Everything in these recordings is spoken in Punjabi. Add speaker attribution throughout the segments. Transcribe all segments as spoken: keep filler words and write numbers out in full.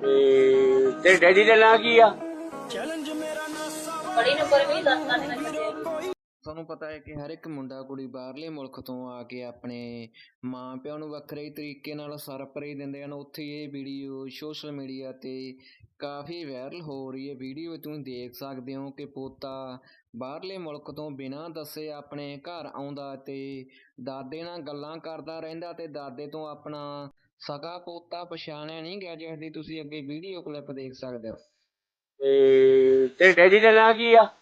Speaker 1: ਤੇ ਡੈਡੀ ਦਾ ਨਾਂ ਕੀ ਆ?
Speaker 2: ਬੜੀ ਨੰਬਰ ਵੀ ਦਸ ਦਸ ਨਾ ਛੱਡਿਆ।
Speaker 3: ਤੁਹਾਨੂੰ ਪਤਾ ਹੈ ਕਿ ਹਰ ਇੱਕ ਮੁੰਡਾ ਕੁੜੀ ਬਾਹਰਲੇ ਮੁਲਕ ਤੋਂ ਆ ਕੇ ਆਪਣੇ ਮਾਂ ਪਿਓ ਨੂੰ ਵੱਖਰੇ ਤਰੀਕੇ ਨਾਲ ਸਰਪ੍ਰਾਈਜ਼ ਦਿੰਦੇ ਹਨ। ਉੱਥੇ ਇਹ ਵੀਡੀਓ ਸੋਸ਼ਲ ਮੀਡੀਆ 'ਤੇ ਕਾਫੀ ਵਾਇਰਲ ਹੋ ਰਹੀ ਹੈ। ਵੀਡੀਓ ਤੁਸੀਂ ਦੇਖ ਸਕਦੇ ਹੋ ਕਿ ਪੋਤਾ ਬਾਹਰਲੇ ਮੁਲਕ ਤੋਂ ਬਿਨਾਂ ਦੱਸੇ ਆਪਣੇ ਘਰ ਆਉਂਦਾ ਅਤੇ ਦਾਦੇ ਨਾਲ ਗੱਲਾਂ ਕਰਦਾ ਰਹਿੰਦਾ ਅਤੇ ਦਾਦੇ ਤੋਂ ਆਪਣਾ ਸਕਾ ਪੋਤਾ ਪਛਾਣਿਆ ਨਹੀਂ ਗਿਆ, ਜਿਸ ਦੀ ਤੁਸੀਂ ਅੱਗੇ ਵੀਡੀਓ ਕਲਿੱਪ ਦੇਖ ਸਕਦੇ ਹੋ।
Speaker 1: ਤੇ ਡੈਡੀ ਦਾ ਨਾਂ ਕੀ ਆ?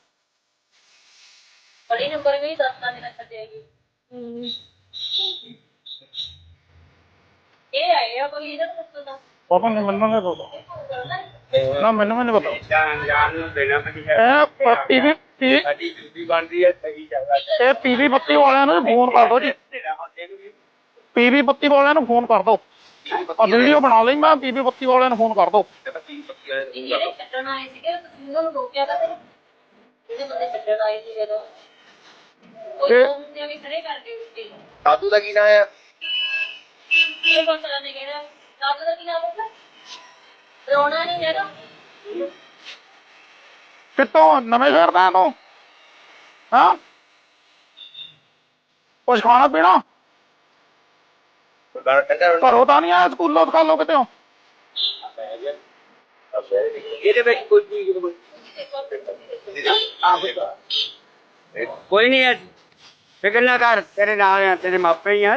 Speaker 2: ਬੜੀ ਨੰਬਰ ਵੀ ਦਸ ਦਸ ਨਾ ਛੱਡਿਆ ਜੀ। ਇਹ ਆਏ ਆ ਕੋਈ ਇਹਦਾ ਦੱਸੋ ਤਾਂ
Speaker 4: ਪਾਪਾ ਨੇ ਮੈਨੂੰ ਨਹੀਂ ਪਤਾ ਨਾ, ਮੈਨੂੰ ਨਹੀਂ ਪਤਾ।
Speaker 1: ਜਾਨ ਜਾਨ ਨੂੰ ਦੇਣਾ ਪੈਂਦੀ ਹੈ।
Speaker 4: ਇਹ ਪੀਵੀ ਪੀ
Speaker 1: ਸਾਡੀ ਡਿਊਟੀ ਬਣਦੀ ਹੈ ਸਹੀ ਜਗ੍ਹਾ।
Speaker 4: ਇਹ ਪੀਵੀ ਬੱਤੀ ਵਾਲਿਆਂ ਨੂੰ ਫੋਨ ਕਰ ਦਿਓ ਜੀ। ਪੀਵੀ ਬੱਤੀ ਵਾਲਿਆਂ ਨੂੰ ਫੋਨ ਕਰ ਦਿਓ। ਆ ਵੀਡੀਓ ਬਣਾ ਲਈ ਮੈਂ, ਪੀਵੀ ਬੱਤੀ ਵਾਲਿਆਂ ਨੂੰ ਫੋਨ ਕਰ ਦਿਓ।
Speaker 2: ਜਿਹੜੇ ਛੱਡਣ ਆਏ ਸੀਗੇ ਤੁਸੀਂ ਉਹਨਾਂ ਨੂੰ ਰੋਕਿਆ ਤਾਂ ਜਿਹੜੇ ਬੰਦੇ ਛੱਡਣ ਆਏ ਸੀ ਜਦੋਂ ਕੋਈ ਹੁੰਦੇ ਵੀ ਖੜੇ ਕਰਕੇ ਉੱਤੇ
Speaker 1: ਦਾਦੂ ਦਾ ਕੀ ਨਾਂ ਆ?
Speaker 2: ਇਹ ਬੰਦਾ ਨੇ ਕਿਹਾ ਦਾਦੂ ਦਾ ਕੀ ਨਾਮ ਹੈ? ਰੋਣਾ ਨਹੀਂ ਹੈਗਾ।
Speaker 4: ਕਿੱਥੋਂ ਨਵੇਂ ਸ਼ਹਿਰ ਦਾ ਤੂੰ? ਹਾਂ ਕੁਛ ਖਾਣਾ ਪੀਣਾ? ਘਰੋਂ ਤਾਂ ਨਹੀਂ ਆਇਆ, ਸਕੂਲੋਂ ਸਕਾਲੋਂ ਕਿਤੇ ਹੋ?
Speaker 1: ਇਹਦੇ ਵਿੱਚ ਕੋਈ ਕੋਈ ਨਹੀਂ ਹੈ, ਫਿਕਰ ਨਾ ਕਰ, ਤੇਰੇ ਨਾਲ ਆ, ਤੇਰੇ ਮਾਪੇ ਹੀ ਆ।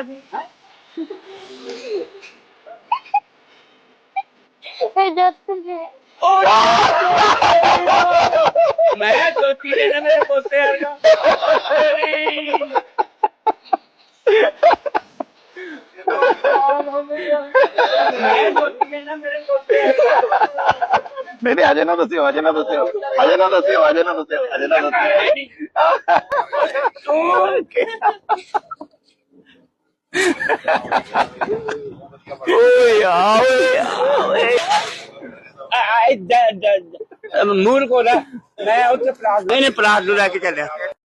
Speaker 1: ਮੈਂ ਸੋਚੀ ਲੈਣਾ ਮੇਰੇ ਪੋਤੇ ਵਰਗਾ।
Speaker 4: ਨਹੀਂ ਨਹੀਂ ਅਜੇ ਨਾ ਦੱਸਿਓ, ਅਜੇ ਨਾ ਦੱਸਿਓ, ਅਜੇ ਨਾ ਦੱਸਿਓ, ਅਜੇ ਨਾ ਦੱਸਿਓ, ਅਜੇ ਨਾ ਦੱਸਿਓ। ਓਏ ਆ ਓਏ
Speaker 1: ਮੂਰ ਕੋਲ ਮੈਂ ਉੱਥੇ ਪਲਾਟ ਨਹੀਂ ਨਹੀਂ ਪਲਾਟ ਨੂੰ ਲੈ ਕੇ ਚੱਲਿਆ।